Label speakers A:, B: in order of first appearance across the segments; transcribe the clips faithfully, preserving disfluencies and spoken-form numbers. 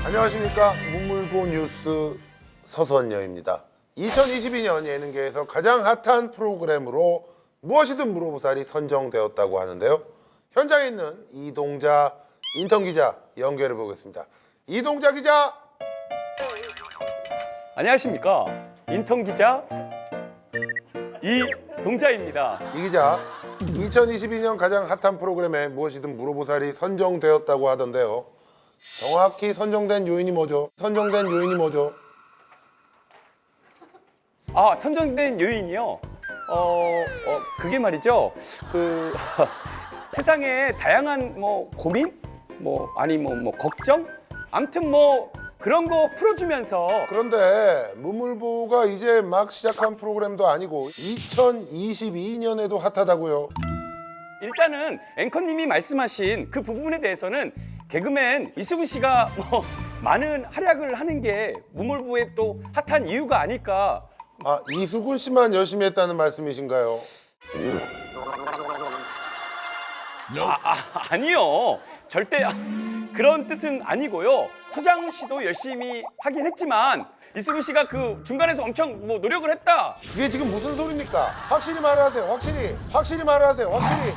A: 안녕하십니까. 문물보 뉴스 서선녀입니다. 이천이십이 년 예능계에서 가장 핫한 프로그램으로 무엇이든 물어보살이 선정되었다고 하는데요. 현장에 있는 이동자 인턴 기자 연결해 보겠습니다. 이동자 기자.
B: 안녕하십니까. 인턴 기자 이동자입니다.
A: 이 기자, 이천이십이 년 가장 핫한 프로그램에 무엇이든 물어보살이 선정되었다고 하던데요. 정확히 선정된 요인이 뭐죠? 선정된 요인이 뭐죠?
B: 아, 선정된 요인이요? 어, 어 그게 말이죠. 그 세상에 다양한 뭐 고민, 뭐 아니 뭐, 뭐 걱정, 아무튼 뭐 그런 거 풀어주면서.
A: 그런데 문물보가 이제 막 시작한 프로그램도 아니고 이천이십이 년에도 핫하다고요.
B: 일단은 앵커님이 말씀하신 그 부분에 대해서는 개그맨 이수근 씨가 뭐 많은 활약을 하는 게 문물보의 또 핫한 이유가 아닐까.
A: 아, 이수근 씨만 열심히 했다는 말씀이신가요?
B: 아, 아, 아니요. 절대 그런 뜻은 아니고요. 서장훈 씨도 열심히 하긴 했지만 이수근 씨가 그 중간에서 엄청 뭐 노력을 했다.
A: 그게 지금 무슨 소리입니까? 확실히 말을 하세요. 확실히. 확실히 말을 하세요. 확실히.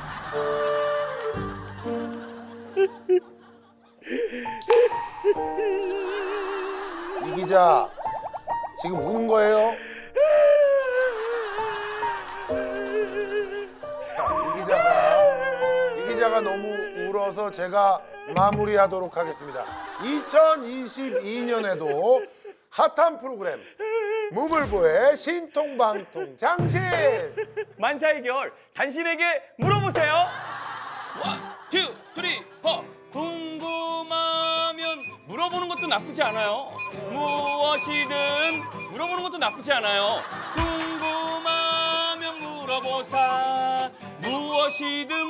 A: 이 기자, 지금 우는 거예요? 자, 이 기자가 이 기자가 너무 울어서 제가 마무리하도록 하겠습니다. 이천이십이 년에도 핫한 프로그램 무물보의 신통방통 장신.
B: 만사의 결 당신에게 물어보세요. 원, 투, 쓰리, 포. 궁금하면 물어보는 것도 나쁘지 않아요. 무엇이든 물어보는 것도 나쁘지 않아요. 궁금하면 물어보사. 무엇이든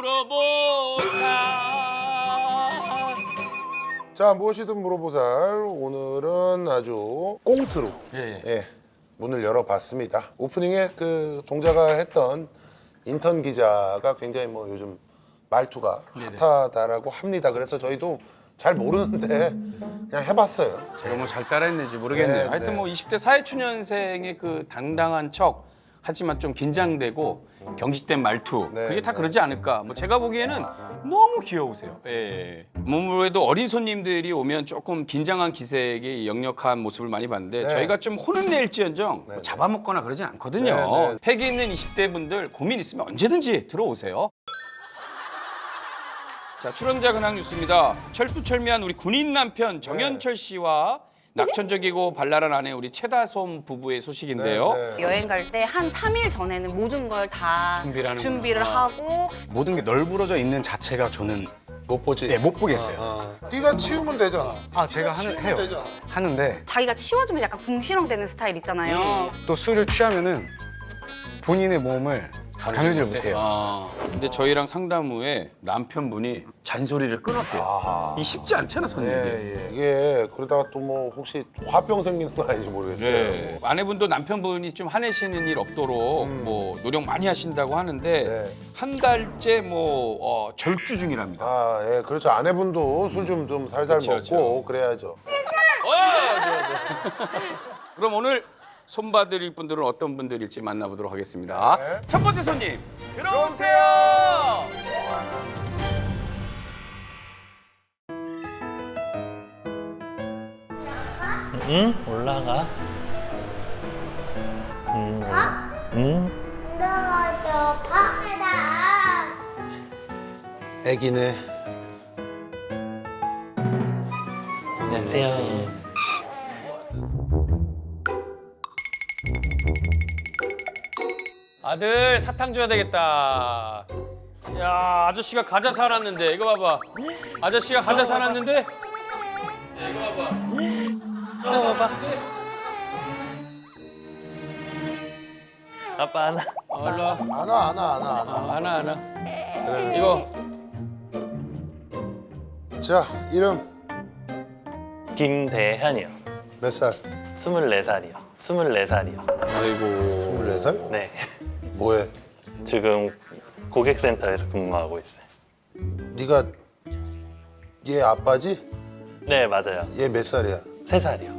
B: 물어보사.
A: 자, 무엇이든 물어보살, 오늘은 아주 꽁트로
B: 예, 예.
A: 예, 문을 열어봤습니다. 오프닝에 그 동자가 했던 인턴 기자가 굉장히 뭐 요즘 말투가
B: 네네.
A: 핫하다라고 합니다. 그래서 저희도 잘 모르는데 그냥 해봤어요.
B: 제가 뭐 잘 따라했는지 모르겠네요.
A: 네,
B: 하여튼
A: 네.
B: 뭐 이십 대 사회초년생의 그 당당한 척 하지만 좀 긴장되고 경직된 말투
A: 네,
B: 그게 다
A: 네.
B: 그러지 않을까. 뭐 제가 보기에는 너무 귀여우세요. 예. 문물에도 어린 손님들이 오면 조금 긴장한 기색이 역력한 모습을 많이 봤는데
A: 네.
B: 저희가 좀 혼은 낼지언정
A: 네,
B: 뭐 잡아먹거나 그러진 않거든요.
A: 네, 네.
B: 패기 있는 이십 대 분들 고민 있으면 언제든지 들어오세요. 자, 출연자 근황 뉴스입니다. 철두철미한 우리 군인 남편 정현철 씨와 낙천적이고 발랄한 아내 우리 최다솜 부부의 소식인데요.
A: 네, 네.
C: 여행 갈 때 한 삼 일 전에는 모든 걸 다
B: 준비를 하는구나.
C: 준비를 하고
D: 모든 게 널브러져 있는 자체가 저는
A: 못 보지?
D: 네, 못 보겠어요.
A: 어. 네가 치우면 되잖아.
D: 아 제가 하는
A: 치우면
D: 해요.
A: 되잖아.
D: 하는데
C: 자기가 치워주면 약간 궁시렁대는 스타일 있잖아요.
D: 또 술을 취하면은 본인의 몸을 가누질 못해요.
B: 아, 근데 저희랑 상담 후에 남편분이 잔소리를 끊었대요.
A: 아하.
B: 이 쉽지 않잖아, 손님이.
A: 예, 예. 이게 그러다가 또 뭐 혹시 화병 생기는 거 아닌지 모르겠어요.
B: 네. 아내분도 남편분이 좀 화내시는 일 없도록 뭐 노력 많이 하신다고 하는데
A: 네.
B: 한 달째 뭐 어, 절주 중이랍니다.
A: 아, 예, 그렇죠. 아내분도 술 좀 좀 살살
B: 그쵸,
A: 먹고
B: 그쵸.
A: 그래야죠.
B: 어, 좋아, 좋아. 그럼 오늘 손봐드릴 분들은 어떤 분들일지 만나보도록 하겠습니다.
A: 네.
B: 첫 번째 손님 들어오세요.
E: 응? 올라가. 응. 응?
F: 올라가서 밖에다.
A: 애기네.
E: 안녕하세요.
B: 아들 사탕 줘야 되겠다. 야, 아저씨가 과자 사놨는데 이거 봐봐. 아저씨가 과자 사놨는데. 야, 이거 봐봐. 과자 사놨는데.
E: 아빠 하나.
B: 어, 일로 와.
A: 안아, 안아, 안아, 안아.
B: 하나 하나.
A: 그래.
B: 이거
A: 자, 이름
E: 김대현이요.
A: 몇 살?
E: 스물네 살이요. 스물네 살이요.
B: 아이고.
A: 스물네 살?
E: 네.
A: 뭐해?
E: 지금 고객센터에서 근무하고 있어요.
A: 네가 얘 아빠지?
E: 네, 맞아요.
A: 얘 몇 살이야?
E: 세 살이요.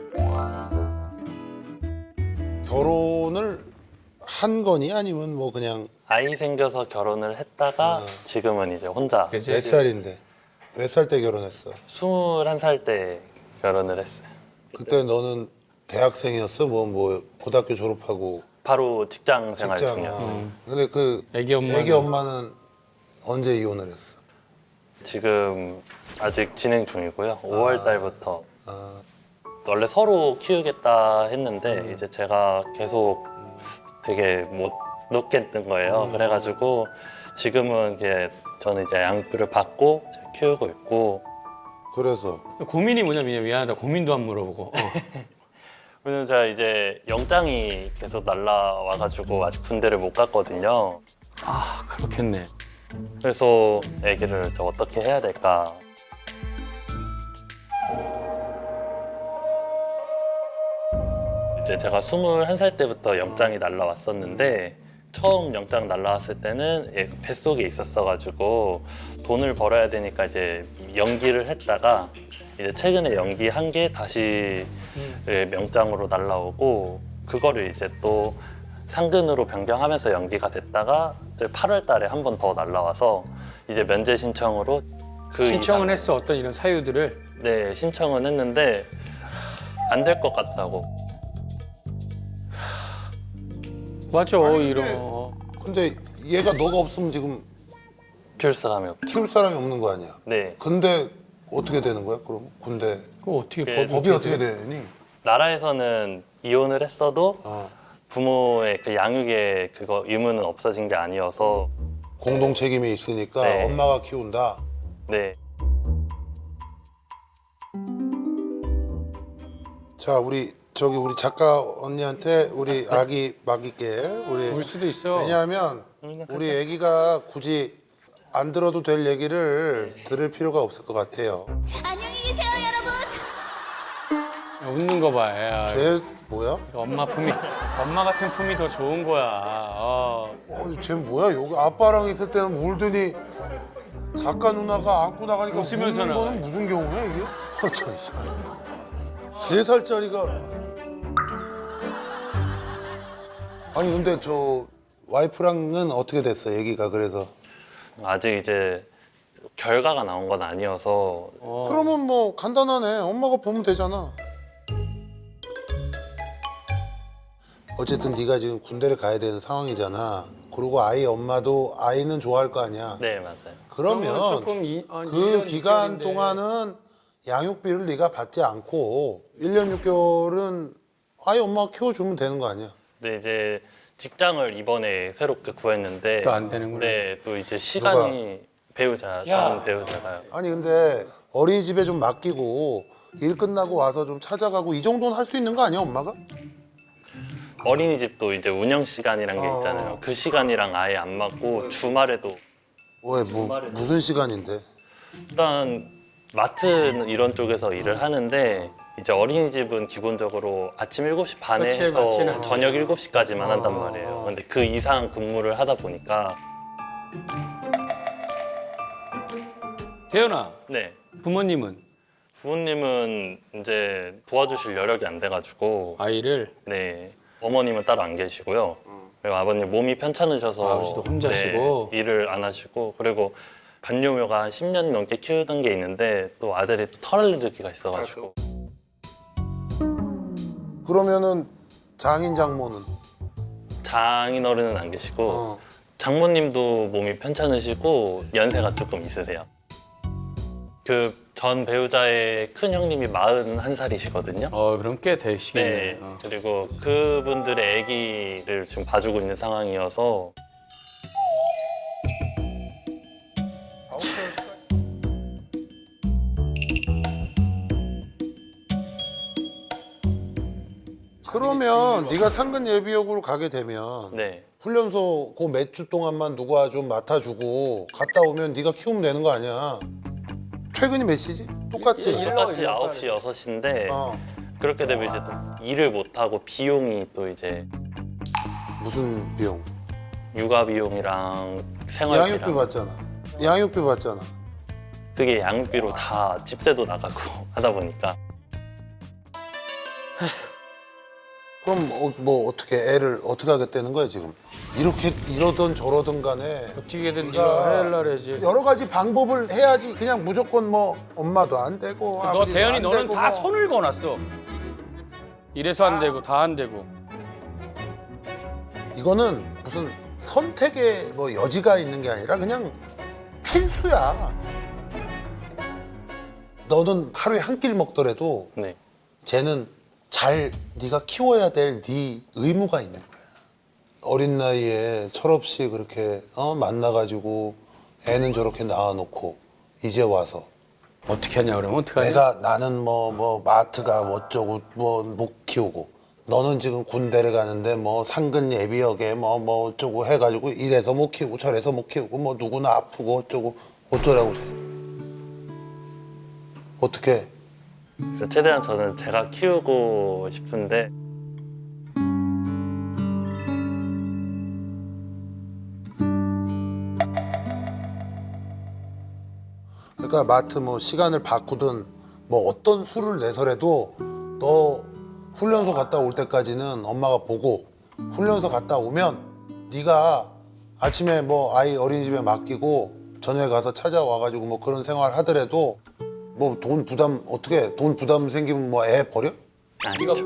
A: 결혼을 한 거니 아니면 뭐 그냥
E: 아이 생겨서 결혼을 했다가 지금은 이제 혼자
D: 그치?
A: 몇 살인데? 몇 살 때 결혼했어?
E: 스물한 살 때 결혼을 했어요.
A: 그때 너는 대학생이었어? 뭐 뭐 고등학교 졸업하고
E: 바로 직장 생활
A: 직장.
E: 중이었어요.
A: 어. 근데 그
D: 애기 엄마는
A: 애기 엄마는 언제 이혼을 했어?
E: 지금 아직 진행 중이고요. 오월 달부터
A: 아,
E: 원래 서로 키우겠다 했는데 이제 제가 계속 되게 못 놓겠는 거예요. 그래가지고 지금은 이게 저는 이제 양육비를 받고 키우고 있고
A: 그래서
D: 고민이 뭐냐면 미안하다. 고민도 안 물어보고. 어.
E: 왜냐면 제가 이제 영장이 계속 날라와가지고 아직 군대를 못 갔거든요.
D: 아 그렇겠네.
E: 그래서 아기를 저 어떻게 해야 될까? 이제 제가 스물한 살 때부터 영장이 날라왔었는데 처음 영장 날라왔을 때는 얘 뱃속에 있었어가지고 돈을 벌어야 되니까 이제 연기를 했다가 이제 최근에 연기한 게 다시 예, 명장으로 날라오고 그거를 이제 또 상근으로 변경하면서 연기가 됐다가 이제 팔월 달에 한 번 더 날라와서 이제 면제 신청으로 그
D: 신청은
E: 이상-
D: 했어. 어떤 이런 사유들을.
E: 네, 신청은 했는데 안 될 것 같다고.
D: 맞아
A: 아니,
D: 이런.
A: 근데 얘가 너가 없으면 지금
E: 키울 사람이 없죠.
A: 키울 사람이 없는 거 아니야?
E: 네,
A: 근데 어떻게 되는 거야? 그럼 군대
D: 그거 어떻게
E: 예,
D: 법이,
A: 법이 어떻게 되니?
E: 나라에서는 이혼을 했어도
A: 어.
E: 부모의 그 양육의 그거 의무는 없어진 게 아니어서
A: 공동 책임이 있으니까
E: 네.
A: 엄마가 키운다.
E: 네,
A: 자, 우리 저기 우리 작가 언니한테 우리 아기 맡길게. 우리
D: 울 수도 있어.
A: 왜냐하면 우리 아기가 굳이 안 들어도 될 얘기를 들을 필요가 없을 것 같아요.
F: 안녕히 계세요, 여러분.
D: 야, 웃는 거 봐. 야,
A: 쟤 뭐야?
D: 엄마 품이 엄마 같은 품이 더 좋은 거야. 어.
A: 어, 쟤 뭐야? 여기 아빠랑 있을 때는 울더니 작가 누나가 안고 나가니까
D: 웃으면서
A: 웃는 거는
D: 나가요.
A: 무슨 경우야 이게? 어, 저, 세 살짜리가 아니 근데 저 와이프랑은 어떻게 됐어? 얘기가 그래서
E: 아직 이제 결과가 나온 건 아니어서
D: 어.
A: 그러면 뭐 간단하네. 엄마가 보면 되잖아. 어쨌든 네가 지금 군대를 가야 되는 상황이잖아. 그리고 아이 엄마도 아이는 좋아할 거 아니야.
E: 네, 맞아요.
A: 그러면
D: 조금 이, 한 일
A: 그
D: 년,
A: 기간
D: 육 개월인데.
A: 동안은 양육비를 네가 받지 않고 일 년 육 개월은 아이 엄마가 키워주면 되는 거 아니야.
E: 근데 이제 직장을 이번에 새롭게 구했는데
D: 또안 되는구나.
E: 네, 또 이제 시간이 배우자, 전 배우자가요.
A: 아니 근데 어린이집에 좀 맡기고 일 끝나고 와서 좀 찾아가고 이 정도는 할 수 있는 거 아니야 엄마가?
E: 어린이집도 이제 운영 시간이란 게
A: 어.
E: 있잖아요. 그 시간이랑 아예 안 맞고 주말에도
A: 왜 뭐, 무슨 시간인데?
E: 일단 마트 이런 쪽에서 일을 하는데 이제 어린이집은 기본적으로 아침 일곱 시 반에
D: 그치,
E: 해서
D: 맞지는 않지.
E: 저녁 일곱 시까지만 한단
A: 어.
E: 말이에요. 근데 그 이상 근무를 하다 보니까
D: 태연아,
E: 네.
D: 부모님은
E: 부모님은 이제 도와주실 여력이 안 돼가지고
D: 아이를
E: 네 어머님은 따로 안 계시고요. 그리고 아버님 몸이 편찮으셔서
D: 아버지도 혼자시고.
E: 네, 일을 안 하시고 그리고 반려묘가 한 십 년 넘게 키우던 게 있는데 또 아들이 또 털 알레르기가 있어가지고
A: 그러면은 장인 장모는
E: 장인어른은 안 계시고
A: 어.
E: 장모님도 몸이 편찮으시고 연세가 조금 있으세요. 그 전 배우자의 큰 형님이 마흔한 살이시거든요.
D: 어 그럼 꽤 되시겠네.
E: 네.
D: 어.
E: 그리고 그분들의 아기를 지금 봐주고 있는 상황이어서
A: 그러면 네가 상근 예비역으로 가게 되면
E: 네.
A: 훈련소 그 몇 주 동안만 누가 좀 맡아주고 갔다 오면 네가 키우면 되는 거 아니야. 퇴근이 몇 시지? 똑같지?
D: 일- 일-
E: 똑같이
D: 일러,
E: 아홉 시, 여섯 시인데
A: 어.
E: 그렇게 되면 이제 또 일을 못하고 비용이 또 이제
A: 무슨 비용?
E: 육아 비용이랑 생활비랑
A: 양육비 받잖아. 양육비 받잖아.
E: 그 그게 양육비로 다 집세도 나가고 하다 보니까
A: 그럼 어, 뭐 어떻게 애를 어떻게 하겠다는 거야 지금? 이렇게 이러든 저러든 간에
B: 어떻게든
A: 네가
B: 네가 해야 해야지.
A: 여러 가지 방법을 해야지. 그냥 무조건 뭐 엄마도 안 되고
B: 너
A: 아버지도
B: 대현이
A: 안
B: 너는
A: 되고
B: 다
A: 뭐.
B: 손을 거놨어. 이래서 안 되고 다 안 되고.
A: 이거는 무슨 선택의 뭐 여지가 있는 게 아니라 그냥 필수야. 너는 하루에 한 끼를 먹더라도
E: 네.
A: 쟤는 잘 네가 키워야 될 네 의무가 있는 거야. 어린 나이에 철없이 그렇게 어, 만나가지고 애는 저렇게 낳아놓고 이제 와서
B: 어떻게 하냐 그러면 어떡하냐?
A: 내가 나는 뭐 뭐 마트가 뭐 어쩌고 뭐 못 키우고 너는 지금 군대를 가는데 뭐 상근 예비역에 뭐 뭐 어쩌고 해가지고 이래서 못 키우고 저래서 못 키우고 뭐 누구나 아프고 어쩌고 어쩌라고 어떻게
E: 그래서 최대한 저는 제가 키우고 싶은데
A: 그러니까 마트 뭐 시간을 바꾸든 뭐 어떤 수를 내서라도 너 훈련소 갔다 올 때까지는 엄마가 보고 훈련소 갔다 오면 네가 아침에 뭐 아이 어린이집에 맡기고 저녁에 가서 찾아와가지고 뭐 그런 생활 하더라도 뭐 돈 부담 어떻게 돈 부담 생기면 뭐 애 버려?
E: 아니죠.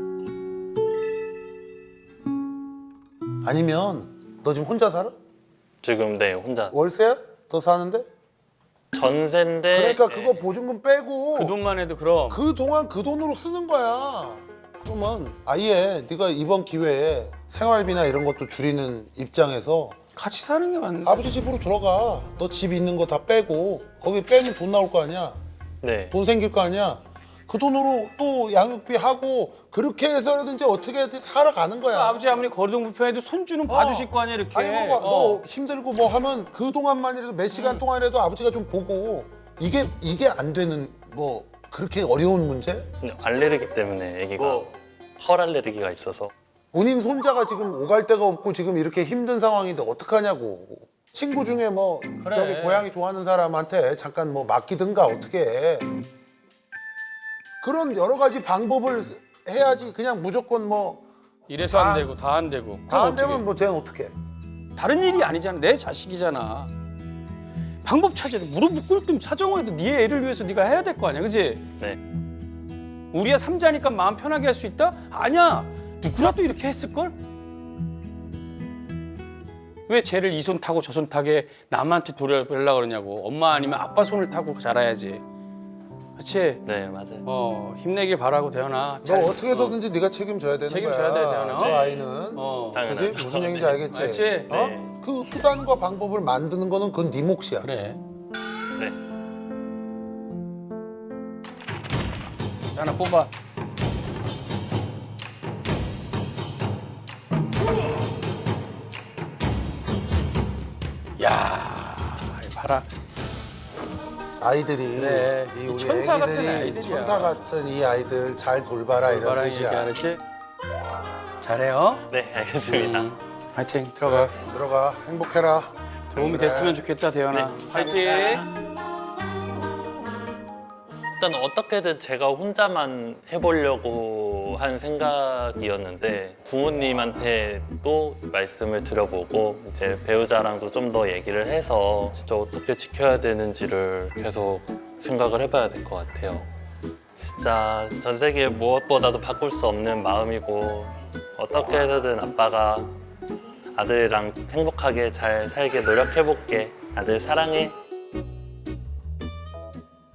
A: 아니면 너 지금 혼자 살아?
E: 지금 네 혼자
A: 월세야? 너 사는데?
E: 전세인데
A: 그러니까
E: 네.
A: 그거 보증금 빼고
B: 그 돈만 해도 그럼.
A: 그 동안 그 돈으로 쓰는 거야. 그러면 아예 네가 이번 기회에 생활비나 이런 것도 줄이는 입장에서
B: 같이 사는 게 맞는.
A: 아버지 집으로 들어가. 너 집 있는 거 다 빼고 거기 빼면 돈 나올 거 아니야.
E: 네.
A: 돈 생길 거 아니야. 그 돈으로 또 양육비 하고 그렇게 해서라든지 어떻게든 살아가는 거야.
B: 아버지 아무리 거리동 불편해도 손주는 봐주실 거 아니야 이렇게.
A: 아니 뭐,
B: 어.
A: 너 힘들고 뭐 하면 그 동안만이라도 몇 시간
B: 음.
A: 동안이라도 아버지가 좀 보고 이게 이게 안 되는 뭐 그렇게 어려운 문제?
E: 근데 알레르기 때문에 아기가
A: 뭐?
E: 털 알레르기가 있어서
A: 본인 손자가 지금 오갈 데가 없고 지금 이렇게 힘든 상황인데 어떡하냐고. 친구 중에 뭐 저기 고양이 좋아하는 사람한테 잠깐 뭐 맡기든가 어떻게 해. 그런 여러 가지 방법을 해야지. 그냥 무조건 뭐 다
B: 이래서 안 되고 다 안 되고.
A: 안
B: 그럼
A: 되면
B: 어떻게?
A: 뭐 쟤는 어떻게 해.
B: 다른 일이 아니잖아. 내 자식이잖아. 방법 찾아야 돼. 무릎 꿇든 사정해도 네 애를 위해서 네가 해야 될 거 아니야, 그지?
E: 네.
B: 우리야 삼자니까 마음 편하게 할 수 있다? 아니야. 누구라도 이렇게 했을 걸? 왜 쟤를 이 손 타고 저 손 타게 남한테 돌려보려고 그러냐고. 엄마 아니면 아빠 손을 타고 자라야지. 그렇지?
E: 네 맞아요.
B: 어 힘내길 바라고 대현아.
A: 너
B: 잘-
A: 어떻게 해서든지 네가 책임져야 되는
B: 책임져야
A: 거야.
B: 돼, 대현아.
A: 저 아이는.
B: 어
E: 당연하죠.
A: 그지? 무슨 얘기인지
E: 네.
A: 알겠지?
B: 알지?
A: 어?
E: 네.
A: 그 수단과 방법을 만드는 거는 그건 네 몫이야.
B: 그래.
E: 네.
B: 하나 뽑아. 야, 이 봐라.
A: 아이들이
B: 그래.
A: 이 우리
B: 천사 같은
A: 애기들이
B: 아이들이야.
A: 천사 같은 이 아이들 잘 돌봐라 이런
B: 봐라
A: 뜻이야.
B: 얘기 알았지? 잘해요.
E: 네 알겠습니다.
B: 음, 화이팅 들어가.
A: 그래, 들어가 행복해라.
B: 도움이
A: 그래.
B: 됐으면 좋겠다 대현아.
E: 네,
B: 화이팅.
E: 일단 어떻게든 제가 혼자만 해보려고 한 생각이었는데 부모님한테도 말씀을 드려보고 이제 배우자랑도 좀 더 얘기를 해서 진짜 어떻게 지켜야 되는지를 계속 생각을 해봐야 될 것 같아요. 진짜 전 세계 무엇보다도 바꿀 수 없는 마음이고 어떻게 해서든 아빠가 아들이랑 행복하게 잘 살게 노력해볼게. 아들 사랑해.